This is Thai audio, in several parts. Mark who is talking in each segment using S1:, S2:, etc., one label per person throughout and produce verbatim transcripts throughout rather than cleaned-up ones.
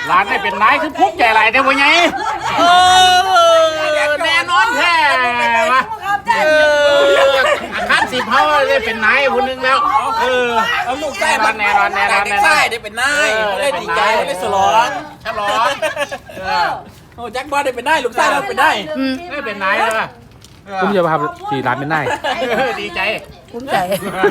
S1: ร้านได้เป็นนายคือพุกใหญ่ไรได้บ่ไงเออแน่นอนแท้วะเออขั้นสิบเท่าได้เป็นนายคนนึงแล้วเออ
S2: เอาลูกไส้มา
S1: แน่นอนแน่นอนแน่นอน
S2: ไส้ได้เป็นนายได้ดีใจได้สลอน
S1: ฉลอง
S2: โอ้แจ็คบอลได้เป็นนายลูกไส้เราเป็นนาย
S1: ได้เป็นนายแล้ว
S3: คุ้มจะมาทำสี่ร้านเป็นนาย
S1: ดีใจ
S4: คุ้มใจ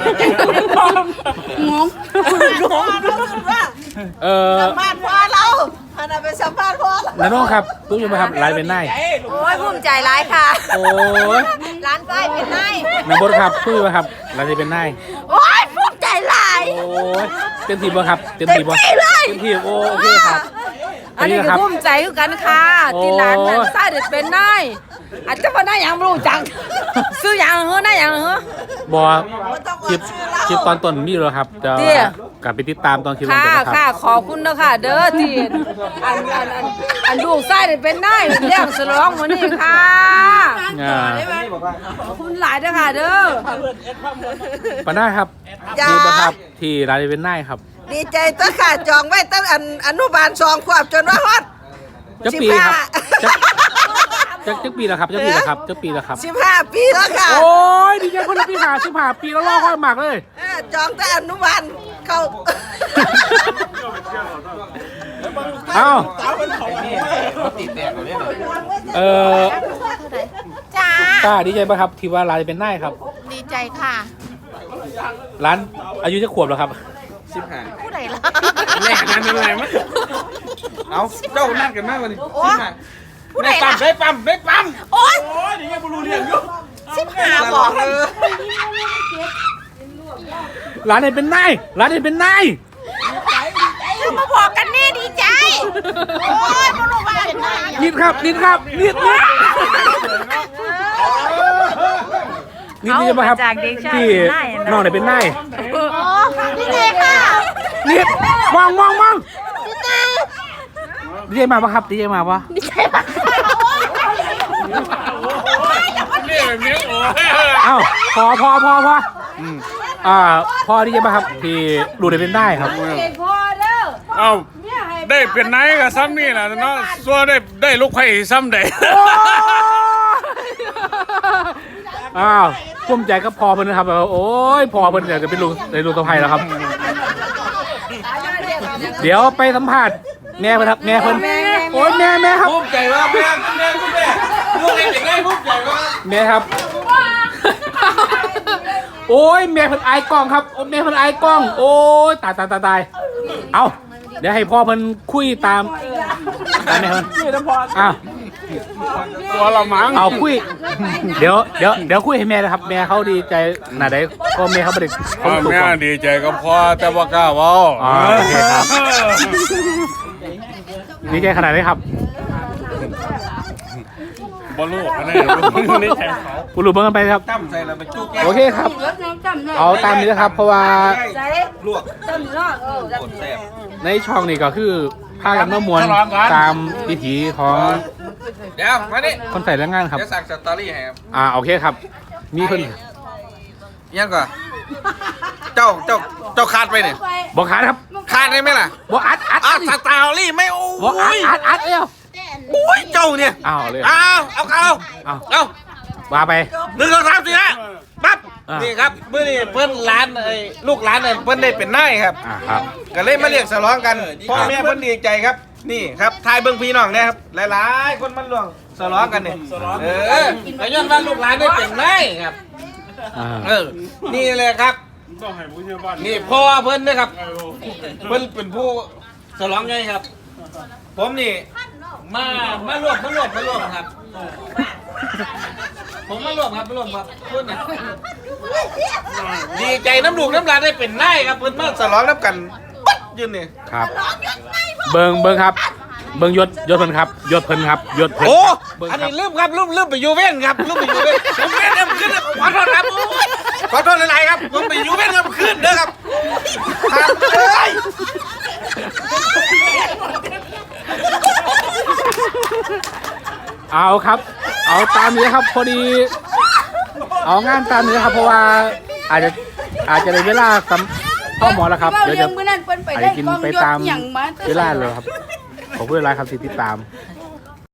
S4: งงงง
S3: เออ
S4: สัมภาษณ์พ่อเราพานาไปสัมภาษณ์พ่อ
S3: น้าน้องครับคุ้มจะมาทำร้านเป็นนาย
S4: โอ้ยภูมิใจร้ายค่ะ
S3: โอ้ย
S4: ร้านไส้เป็นนาย
S3: น้าบดครับคุ้มจะมาครับร้านจะเป็นนาย
S4: โอ้ยภูมิใจร้าย
S3: โอ้ยเต็มทีบ่ครับเต็มทีบ่เต็มทีโอเคครับ
S4: อันนี้ก็ภูมิใจคือกันค่ะที่ร้านนั้นไส้เด็ดเป็นนายอาจจะมาได้อย่างรู้จักซื้ออย่างเหรอได้อย่างเหร
S3: อบอคลิปคลิปตอนต้นมีแล้วครับจะกลับไปติดตามตอนคลิป
S4: ค่ะค่ะขอบคุณนะค่ะเด้อที่อันอันอันอันลูกไส้เป็นนายเลี้ยงสลองวันนี้ค่ะขอบคุณหลายนะค่ะเด้อ
S3: ปะหน้าครับดีปะครับที่ร้านเป็นนายครับ
S4: ดีใจตั้งค่ะจองไว้ตั้งอันอนุบาลสองขวบจนว่าฮอด
S3: จะปีครับจะจะปีแล้วครับจะปีแล้วครับจะปีแล้วครับ
S4: สิบห้าปีแล้วค่ะ
S3: โอ้ยดีใจคนละปีหาสิบห้าปีแล้วรอค่อยหมักเลย
S4: จองแต่อนุบาลเขา
S3: เอ้าเออ
S4: จ้า
S3: ป้าดีใจป่ะครับที่ว่าร้านเป็นนายครับ
S4: ดีใจค่ะ
S3: ร้านอายุจะขวบแล้วครับ
S2: สิบห้า
S4: ผู้ใดล่ะ
S2: แรกนั่นอะไรมั้งเอาเจ้านั่งกันมากวันนี้สิบห้า
S4: ได้
S2: ปั๊มได้ปั๊มได้ปั๊ม
S4: โอ๊ย
S2: โอ้ยนี่ยังไม่รู้เรื่องอยู่
S4: สิบห้าบอก
S3: ร้านไหนเป็นนายร้านไหนเป็นนาย
S4: จะมาบอกกันนี่ดีใจโอ๊ยไม่รู้ว่าเป็นนาย
S3: นิดครับนิดครับนิดนิดนิดนี่จะมาครับที่น้องไหนเป็นนาย
S4: อ๋อดีใจค่ะ
S3: นิดมองมองมองดีใจมาปะครับดีใจมาปะ
S4: ดีใจมาก
S3: เอ้าพอพอพอพออ่าพอดีใจมาครับที่ดูได้เป็นได้ครับ
S4: พอเด้อ
S1: เอ้าได้เป็นนายกับซ้ำนี่นะเนาะซัวได้ได้ลูกไผ่ซ้ำได้
S3: อ้าวภูมิใจก็พอเพิ่นนะครับโอ้ยพอเพิ่นอยากจะเป็นลูกในลูกตะไคร้แล้วครับเดี๋ยวไปสัมภาษณ์แม่เพิ่นครับแม่เพิ่นโอ้ยแม่แม่ครับ
S2: ภูมิใจว่าแม่แม่แม่ลูกเองได้ภูมิใจว่า
S3: แม่ครับโอ้ยแม่เพิ่นอายกล้องครับแม่เพิ่นอายกล้องโอ้ยตายตายตายตายเอาเดี๋ยวให้พ่อเพิ่นคุยตามตามแม่เพิ่นอ้าว
S1: ตัวละมั้ง
S3: เอาคุยเดี๋ยวเดี๋ยวเดี๋ยวคุยให้แม่นะครับแม่เขาดีใจหน้าใดก็แม่เขาไม่ได้
S1: เขาแม่ดีใจก็พอแต่ว่ากล้าเว้า
S3: อ๋อโอเคครับดีใจขนาดไหนครับ
S1: บอลลูกนี่นี่แทนเขา
S3: ผู้รู้เบิ่งกันไปครับ
S2: ตั้มใส่เราไปจุก
S3: โอเคครับเอาตามนี้นะครับเพราะว่า
S2: ลวก
S3: ในช่องนี้ก็คือพากันมามวลตามวิถีของ
S2: เดี๋ยวมาดิ
S3: คนใส่แรงงานครับ
S2: เดี๋ยวสั่งสตอรี่ให้ครับ
S3: อ่าโอเคครับมีเพิ่น
S2: ยังก่อนเจ้าเจ้าเจ้าขาดไปเนี่ย
S3: บอกขาดครับ
S2: ขาดได้ไหมล่ะ
S3: บอกอัดอัด
S2: อัดสตอรี่ไม่โอ้
S3: บอกอัดอัดอัดเอ้า
S2: โอ้ยเจ้าเนี่ย
S3: อ้าวเลย
S2: อ้าวเอาเอา
S3: เอา
S2: เอา
S3: ว่าไป
S2: หนึ่งสองสามสี่ห้าปั๊บนี่ครับเมื่อนี่เพิ่นร้านไอ้ลูกร้านเนี่ยเพิ่นได้เป็นนายครับ
S3: อ่าครับ
S2: ก็เลยมาเรียกสลองกันพ่อแม่เพิ่นดีใจครับนี่ครับทายเบิ้งพี่น้องนะครับหลายๆคนมันล่วงสลองกันเนี่ยเออไอ้ย้อนว่าลูกร้านได้เป็นนายครับเออนี่เลยครับนี่พ่อเพิ่นนะครับเพิ่นเป็นผู้สลองไงครับผมนี่มามารวมมารวมมารวมครับผมมารวมครับมารวมครับเพื่อนนะดีใจน้ำลูกน้ำลายได้เป็นนายครับเพื่อนมาสลองน้ำกันปั๊ดยืนนี่
S3: ครับเบิ้งเบิ้งครับเบิ้งยศยศเพิ่นครับยศเพิ่นครับยศเพิ่น
S2: โอ้อันนี้ลืมครับลืมลืมไปยูเว่นครับลืมไปยูเว่นผมเว่นครับขึ้นขอโทษครับขอโทษหลายๆครับผมไปยูเว่นครับขึ้นเด้อครับครับเลย
S3: เอาครับเอาตามนี้ครับพอดีเอางานตามนี้ครับเพราะว่าอาจจะอาจจะในเวลาพ่อหมอแล้วครับเดี๋ยวจะอาจจะกินไปตามเวลาเลยครับขอบคุณหลายครับที่ติดตาม